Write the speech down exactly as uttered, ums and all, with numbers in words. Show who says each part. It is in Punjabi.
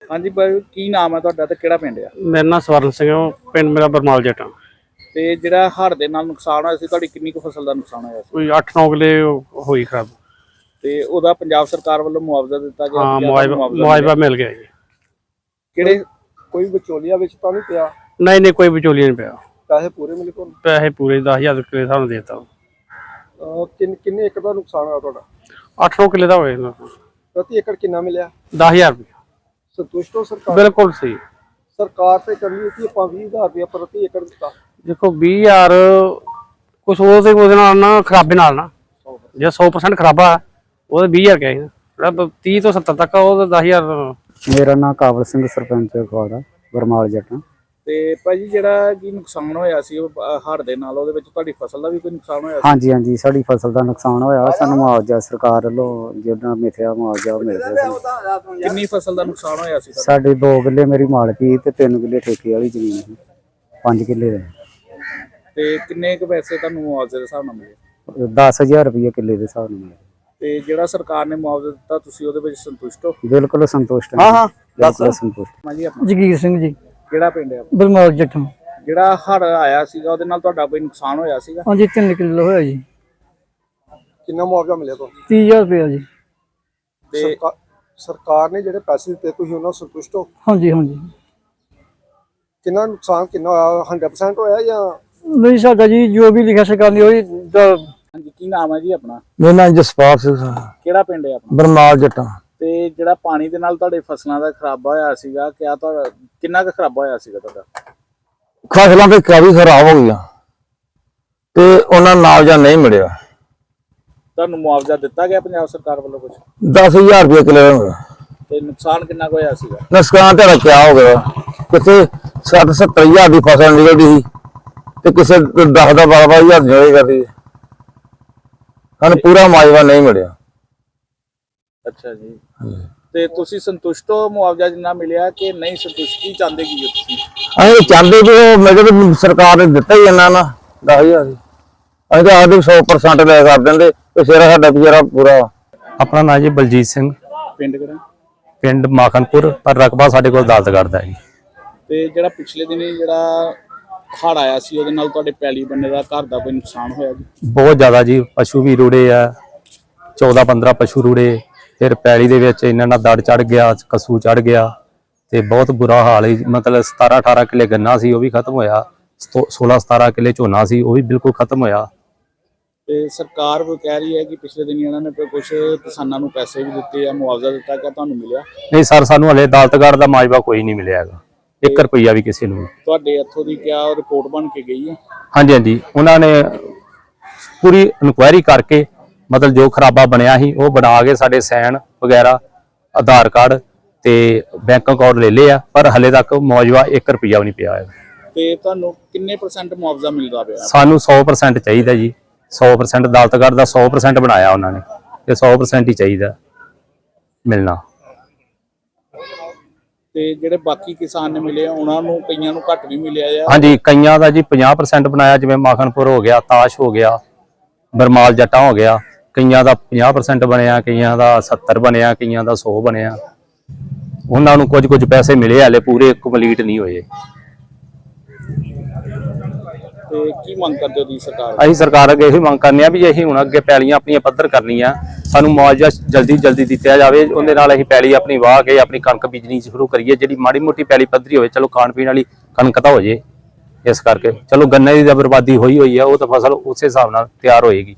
Speaker 1: हाँ जी भाई की नाम है ਤੁਹਾਡਾ ਤੇ ਕਿਹੜਾ ਪਿੰਡ ਆ?
Speaker 2: ਮੇਰਾ ਨਾਮ ਸਵਰਨ ਸਿੰਘ ਹੈ, ਪਿੰਡ ਮੇਰਾ ਬਰਮਾਲ ਜੱਟਾਂ।
Speaker 1: ਤੇ ਜਿਹੜਾ ਹੜ੍ਹ ਦੇ ਨਾਲ ਨੁਕਸਾਨ ਹੋਇਆ ਸੀ ਤੁਹਾਡੀ ਕਿੰਨੀ ਕੁ ਫਸਲ ਦਾ ਨੁਕਸਾਨ ਹੋਇਆ ਸੀ?
Speaker 2: ਕੋਈ ਅੱਠ ਨੌ ਕਿੱਲੇ ਹੋਈ ਖਰਾਬ।
Speaker 1: ਤੇ ਉਹਦਾ ਪੰਜਾਬ ਸਰਕਾਰ ਵੱਲੋਂ ਮੁਆਵਜ਼ਾ ਦਿੱਤਾ ਗਿਆ?
Speaker 2: ਹਾਂ, ਮੁਆਵਜ਼ਾ ਮੁਆਵਜ਼ਾ ਮਿਲ ਗਿਆ ਜੀ।
Speaker 1: ਕਿਹੜੇ ਕੋਈ ਵਿਚੋਲੀਆ ਵਿੱਚ ਤਾਂ ਨਹੀਂ ਪਿਆ?
Speaker 2: ਨਹੀਂ ਨਹੀਂ, ਕੋਈ ਵਿਚੋਲੀਆ ਨਹੀਂ ਪਿਆ।
Speaker 1: ਪੈਸੇ ਪੂਰੇ ਮਿਲੇ ਤੁਹਾਨੂੰ?
Speaker 2: ਪੈਸੇ ਪੂਰੇ ਦਸ ਹਜ਼ਾਰ ਕਿੱਲੇ ਸਾਨੂੰ ਦੇ ਦਿੱਤਾ।
Speaker 1: ਕਿੰਨੇ ਕਿੰਨੇ ਏਕੜ ਦਾ ਨੁਕਸਾਨ ਹੋਇਆ ਤੁਹਾਡਾ?
Speaker 2: ਅੱਠ ਨੌ ਕਿੱਲੇ ਦਾ ਹੋਏ।
Speaker 1: ਪ੍ਰਤੀ ਏਕੜ ਕਿੰਨਾ ਮਿਲਿਆ?
Speaker 2: ਦਸ ਹਜ਼ਾਰ ਰੁਪਏ।
Speaker 1: ਸੰਤੁਸ਼ਟ ਹੋ ਸਰਕਾਰ?
Speaker 2: ਬਿਲਕੁਲ ਸਹੀ।
Speaker 1: ਸਰਕਾਰ ਤੇ ਕਰੀ ਕਿ ਆਪਾਂ ਵੀਹ ਹਜ਼ਾਰ ਰੁਪਏ ਪ੍ਰਤੀ ਏਕੜ ਦਿੱਤਾ।
Speaker 2: ਦੇਖੋ ਵੀਹ ਹਜ਼ਾਰ ਕੁਛ ਉਹਦੇ ਉਹਦੇ ਨਾਲ ਨਾ ਖਰਾਬੇ ਨਾਲ ਨਾ, ਜੇ ਸੌ ਪਰਸੈਂਟ ਖਰਾਬਾ ਉਹਦੇ ਵੀਹ ਹਜ਼ਾਰ ਕਹੇ, ਜਿਹੜਾ ਤੀਹ ਤੋਂ ਸੱਤਰ ਤੱਕ ਉਹ ਦਸ ਹਜ਼ਾਰ।
Speaker 3: ਮੇਰਾ ਨਾਮ ਕਾਬਲ ਸਿੰਘ, ਸਰਪੰਚ ਖਵਾੜਾ, ਬਰਮਾਲ ਜੱਟਾਂ।
Speaker 1: ਤੇ ਭਾਜੀ ਜਿਹੜਾ ਕੀ ਨੁਕਸਾਨ ਹੋਇਆ ਸੀ ਉਹ ਹੜ੍ਹ ਦੇ ਨਾਲ, ਉਹਦੇ ਵਿੱਚ ਤੁਹਾਡੀ ਫਸਲ ਦਾ ਵੀ ਕੋਈ ਨੁਕਸਾਨ ਹੋਇਆ ਸੀ?
Speaker 3: ਹਾਂਜੀ ਹਾਂਜੀ, ਸਾਡੀ ਫਸਲ ਦਾ ਨੁਕਸਾਨ ਹੋਇਆ। ਸਾਨੂੰ ਮੁਆਵਜ਼ਾ ਸਰਕਾਰ ਵੱਲੋਂ ਜਿਹੜਾ ਮਿਥਿਆ ਮੁਆਵਜ਼ਾ ਮਿਲ ਰਿਹਾ ਸੀ।
Speaker 1: ਕਿੰਨੀ ਫਸਲ ਦਾ ਨੁਕਸਾਨ ਹੋਇਆ ਸੀ?
Speaker 3: ਸਾਡੇ ਦੋ ਕਿੱਲੇ ਮੇਰੀ ਮਾਲਕੀ ਤੇ ਤਿੰਨ ਕਿੱਲੇ ਠੇਕੇ ਵਾਲੀ ਜ਼ਮੀਨ ਸੀ, ਪੰਜ ਕਿੱਲੇ ਦੇ।
Speaker 1: ਤੇ ਕਿੰਨੇ ਕੁ ਪੈਸੇ ਤੁਹਾਨੂੰ ਮੁਆਵਜ਼ੇ ਦੇ ਹਿਸਾਬ ਨਾਲ ਮਿਲੇ?
Speaker 3: ਦਸ ਹਜ਼ਾਰ ਰੁਪਏ ਕਿੱਲੇ ਦੇ ਹਿਸਾਬ ਨਾਲ ਮਿਲੇ।
Speaker 1: ਤੇ ਜਿਹੜਾ ਸਰਕਾਰ ਨੇ ਮੁਆਵਜ਼ਾ ਦਿੱਤਾ ਤੁਸੀਂ ਉਹਦੇ ਵਿੱਚ ਸੰਤੁਸ਼ਟ ਹੋ?
Speaker 3: ਬਿਲਕੁਲ ਸੰਤੁਸ਼ਟ
Speaker 1: ਹਾਂ ਹਾਂ,
Speaker 3: ਬਿਲਕੁਲ ਸੰਤੁਸ਼ਟ।
Speaker 1: ਹਾਂਜੀ ਆਪਣਾ
Speaker 2: ਜਗੀਰ ਸਿੰਘ ਜੀ।
Speaker 1: ਕਿਹੜਾ ਪਿੰਡ ਹੈ?
Speaker 2: ਬਰਮਾਲ ਜੱਟਾਂ।
Speaker 1: ਜਿਹੜਾ ਹੜ੍ਹ ਆਇਆ ਸੀਗਾ ਉਹਦੇ ਨਾਲ ਤੁਹਾਡਾ ਕੋਈ ਨੁਕਸਾਨ ਹੋਇਆ ਸੀਗਾ?
Speaker 2: ਹਾਂਜੀ, ਤਿੰਨ ਕਿੱਲੇ ਹੋਇਆ ਜੀ।
Speaker 1: ਕਿੰਨਾ ਮੁਆਵਜ਼ਾ ਮਿਲਿਆ ਤੁਹਾਨੂੰ?
Speaker 2: ਤੀਹ ਹਜ਼ਾਰ ਰੁਪਏ ਜੀ।
Speaker 1: ਤੇ ਸਰਕਾਰ ਨੇ ਜਿਹੜੇ ਪੈਸੇ ਦਿੱਤੇ ਤੁਸੀਂ ਉਹਨਾਂ ਸੰਤੁਸ਼ਟ ਹੋ?
Speaker 2: ਹਾਂਜੀ ਹਾਂਜੀ।
Speaker 1: ਕਿੰਨਾ ਨੁਕਸਾਨ ਕਿੰਨਾ ਹੋਇਆ? ਹੰਡਰਡ ਪਰਸੈਂਟ ਹੋਇਆ ਜਾਂ
Speaker 2: ਨਹੀਂ? ਸਾਡਾ ਜੀ ਜੋ ਵੀ ਲਿਖਿਆ ਸਰਕਾਰ ਨੇ ਉਹੀ।
Speaker 1: ਹਾਂਜੀ, ਕੀ ਨਾਮ ਹੈ ਜੀ ਆਪਣਾ?
Speaker 4: ਮੇਰਾ ਨਾਮ ਜਸਪਾਲ ਸਿੰਘ,
Speaker 1: ਕਿਹੜਾ ਪਿੰਡ ਹੈ ਆਪਣਾ?
Speaker 4: ਬਰਮਾਲ ਜੱਟਾਂ।
Speaker 1: ਤੇ ਜਿਹੜਾ ਪਾਣੀ ਦੇ ਨਾਲ ਤੁਹਾਡੇ ਫਸਲਾਂ ਦਾ ਖਰਾਬਾ ਹੋਇਆ ਸੀਗਾ, ਕਿਆ ਤੁਹਾਡਾ ਕਿੰਨਾ ਕੁ ਖਰਾਬਾ ਹੋਇਆ ਸੀਗਾ ਤੁਹਾਡਾ?
Speaker 4: ਫਸਲਾਂ ਤੇ ਕਾਫੀ ਖਰਾਬ ਹੋ ਗਈਆਂ ਤੇ ਉਹਨਾਂ ਮੁਆਵਜ਼ਾ ਨਹੀਂ ਮਿਲਿਆ।
Speaker 1: ਤੁਹਾਨੂੰ ਮੁਆਵਜ਼ਾ ਦਿੱਤਾ ਗਿਆ ਪੰਜਾਬ ਸਰਕਾਰ ਵੱਲੋਂ ਕੁਝ?
Speaker 4: ਦਸ ਹਜ਼ਾਰ ਰੁਪਏ ਕਿੱਲੇ ਦਾ ਹੋਇਆ।
Speaker 1: ਤੇ ਨੁਕਸਾਨ ਕਿੰਨਾ ਕੁ ਹੋਇਆ ਸੀਗਾ?
Speaker 4: ਨੁਕਸਾਨ ਤੇ ਕਿਆ ਹੋ ਗਿਆ, ਕਿਸੇ ਸੱਠ ਸੱਤਰ ਹਜ਼ਾਰ ਦੀ ਫਸਲ ਨਿਕਲਦੀ ਸੀ ਤੇ ਕਿਸੇ ਦਸ ਦਾ ਬਾਰਾਂ ਬਾਰਾਂ ਹਜ਼ਾਰ ਨਿਕਲੇ ਕਰਦੀ। ਸਾਨੂੰ ਪੂਰਾ ਮੁਆਵਜ਼ਾ ਨਹੀਂ ਮਿਲਿਆ।
Speaker 1: ਅੱਛਾ ਜੀ। ਤੇ ਤੁਸੀਂ ਸੰਤੁਸ਼ਟ ਹੋ ਮੁਆਵਜ਼ਾ ਜਿੰਨਾ ਮਿਲਿਆ ਕਿ ਨਹੀਂ ਸੰਤੁਸ਼ਟ? ਕੀ ਚਾਹੁੰਦੇ ਕੀ ਹੋ ਤੁਸੀਂ?
Speaker 4: ਅਸੀਂ ਚਾਹੁੰਦੇ ਵੀ ਉਹ ਮੈਂ ਕਿਹਾ ਸਰਕਾਰ ਨੇ ਦਿੱਤਾ ਹੀ ਇੰਨਾ ਨਾ ਦਸ ਹਜ਼ਾਰ। ਅਸੀਂ ਤਾਂ ਆਖਦੇ ਸੌ ਪਰਸੈਂਟ ਲੈ ਕਰ ਦਿੰਦੇ ਤੇ ਫਿਰ ਸਾਡਾ ਗੁਜ਼ਾਰਾ ਪੂਰਾ।
Speaker 5: ਆਪਣਾ ਨਾਂ ਜੀ ਬਲਜੀਤ ਸਿੰਘ,
Speaker 1: ਪਿੰਡ ਕਿਹੜਾ?
Speaker 5: ਪਿੰਡ ਮਾਖਨਪੁਰ, ਪਰ ਰਕਬਾ ਸਾਡੇ ਕੋਲ ਅਦਾਲਤਗੜ੍ਹ ਦਾ ਜੀ।
Speaker 1: ਤੇ ਜਿਹੜਾ ਪਿਛਲੇ ਦਿਨੀ ਜਿਹੜਾ ਹੜ੍ਹ ਆਇਆ ਸੀ ਉਹਦੇ ਨਾਲ ਤੁਹਾਡੇ ਪੈਲੀ ਬੰਨੇ ਦਾ ਘਰ ਦਾ ਕੋਈ ਨੁਕਸਾਨ ਹੋਇਆ ਜੀ?
Speaker 5: ਬਹੁਤ ਜ਼ਿਆਦਾ ਜੀ, ਪਸ਼ੂ ਵੀ ਰੁੜੇ ਆ, ਚੌਦਾਂ ਪੰਦਰਾਂ ਪਸ਼ੂ ਰੁੜੇ। ਫਿਰ ਪੈਲੀ ਦੇ ਵਿੱਚ ਇਹਨਾਂ ਨਾਲ ਦੜ ਚੜ ਗਿਆ, ਕਸੂ ਚੜ ਗਿਆ ਤੇ ਬਹੁਤ ਬੁਰਾ ਹਾਲ ਹੈ। ਮਤਲਬ ਸਤਾਰਾਂ ਅਠਾਰਾਂ ਕਿੱਲੇ ਗੰਨਾ ਸੀ ਉਹ ਵੀ ਖਤਮ ਹੋਇਆ, ਸੋਲਾਂ ਸਤਾਰਾਂ ਕਿੱਲੇ ਝੋਨਾ ਸੀ ਉਹ ਵੀ ਬਿਲਕੁਲ ਖਤਮ ਹੋਇਆ।
Speaker 1: ਤੇ ਸਰਕਾਰ ਉਹ ਕਹਿ ਰਹੀ ਹੈ ਕਿ ਪਿਛਲੇ ਦਿਨ ਇਹਨਾਂ ਨੇ ਕੁਝ ਕਿਸਾਨਾਂ ਨੂੰ ਪੈਸੇ ਵੀ ਦਿੱਤੇ ਆ, ਮੁਆਵਜ਼ਾ ਦਿੱਤਾ, ਕਿ ਤੁਹਾਨੂੰ ਮਿਲਿਆ?
Speaker 5: ਨਹੀਂ ਸਰ, ਸਾਨੂੰ ਹਲੇ ਅਦਾਲਤਗੜ੍ਹ ਦਾ ਮੁਆਵਜ਼ਾ ਕੋਈ ਨਹੀਂ ਮਿਲਿਆ ਹੈਗਾ, ਇੱਕ ਰੁਪਈਆ ਵੀ ਕਿਸੇ ਨੂੰ।
Speaker 1: ਤੁਹਾਡੇ ਇੱਥੋਂ ਦੀ ਕਿਆ ਰਿਪੋਰਟ ਬਣ ਕੇ ਗਈ ਹੈ?
Speaker 5: ਹਾਂਜੀ ਹਾਂਜੀ, ਉਹਨਾਂ ਨੇ ਪੂਰੀ ਇਨਕੁਆਇਰੀ ਕਰਕੇ ਮਤਲਬ ਜੋ ਖਰਾਬਾ ਬਣਿਆ ਸੀ ਉਹ ਬਣਾ ਕੇ ਸਾਡੇ ਸਾਈਨ ਵਗੈਰਾ, ਆਧਾਰ ਕਾਰਡ ਤੇ ਬੈਂਕ ਅਕਾਊਂਟ ਲੈ ਲਏ ਆ, ਪਰ ਹਲੇ ਤੱਕ ਮੁਆਵਜ਼ਾ ਇੱਕ ਰੁਪਈਆ ਵੀ ਨਹੀਂ ਪਿਆ ਹੈ।
Speaker 1: ਤੇ ਤੁਹਾਨੂੰ ਕਿੰਨੇ ਪਰਸੈਂਟ ਮੁਆਵਜ਼ਾ ਮਿਲਦਾ ਪਿਆ?
Speaker 5: ਸਾਨੂੰ ਸੌ ਪਰਸੈਂਟ ਚਾਹੀਦਾ ਜੀ, ਸੌ ਪਰਸੈਂਟ ਅਦਾਲਤਗੜ੍ਹ ਦਾ ਸੌ ਪਰਸੈਂਟ ਬਣਾਇਆ ਉਹਨਾਂ ਨੇ ਤੇ ਸੌ ਪਰਸੈਂਟ ਹੀ ਚਾਹੀਦਾ ਮਿਲਣਾ।
Speaker 1: ਤੇ ਜਿਹੜੇ ਬਾਕੀ ਕਿਸਾਨ ਨੇ ਮਿਲੇ ਉਹਨਾਂ ਨੂੰ ਕਈਆਂ ਨੂੰ ਘੱਟ ਵੀ ਮਿਲਿਆ ਆ?
Speaker 5: ਹਾਂਜੀ, ਕਈਆਂ ਦਾ ਜੀ ਪੰਜਾਹ ਪਰਸੈਂਟ ਬਣਾਇਆ, ਜਿਵੇਂ ਮਾਖਨਪੁਰ ਹੋ ਗਿਆ, ਤਾਸ਼ ਹੋ ਗਿਆ, ਬਰਮਾਲ ਜੱਟਾਂ ਹੋ ਗਿਆ। ਕਈਆਂ ਦਾ ਪੰਜਾਹ ਪਰਸੈਂਟ ਬਣਿਆ, ਕਈਆਂ ਦਾ ਸੱਤਰ ਬਣਿਆ, ਕਈਆਂ ਦਾ ਸੌ ਬਣਿਆ। ਉਹਨਾਂ ਨੂੰ ਕੁਝ ਕੁਝ ਪੈਸੇ ਮਿਲੇ, ਹਲੇ ਪੂਰੇ ਕੰਪਲੀਟ ਨਹੀਂ ਹੋਏ।
Speaker 1: ਤੇ ਕੀ ਮੰਗ ਕਰਦੇ ਹੋ ਤੁਸੀਂ ਸਰਕਾਰ?
Speaker 5: ਅਸੀਂ ਸਰਕਾਰ ਅੱਗੇ ਇਹੀ ਮੰਗ ਕਰਨੇ ਆ ਵੀ ਅਸੀਂ ਹੁਣ ਅੱਗੇ ਪੈਲੀਆਂ ਆਪਣੀਆਂ ਪੱਧਰ ਕਰਨੀਆਂ, ਸਾਨੂੰ ਮੁਆਵਜ਼ਾ ਜਲਦੀ ਜਲਦੀ ਦਿੱਤਾ ਜਾਵੇ। ਉਹਦੇ ਨਾਲ ਅਸੀਂ ਪੈਲੀ ਆਪਣੀ ਵਾਹ ਕੇ ਆਪਣੀ ਕਣਕ ਬੀਜਣੀ ਸ਼ੁਰੂ ਕਰੀਏ, ਜਿਹੜੀ ਮਾੜੀ ਮੋਟੀ ਪੈਲੀ ਪੱਧਰੀ ਹੋਵੇ। ਚਲੋ ਖਾਣ ਪੀਣ ਵਾਲੀ ਕਣਕ ਤਾਂ ਹੋ ਜੇ, ਇਸ ਕਰਕੇ ਚਲੋ ਗੰਨੇ ਦੀ ਤਾਂ ਬਰਬਾਦੀ ਹੋਈ ਹੋਈ ਆ, ਉਹ ਤਾਂ ਫਸਲ ਉਸੇ ਹਿਸਾਬ ਨਾਲ ਤਿਆਰ ਹੋਏਗੀ।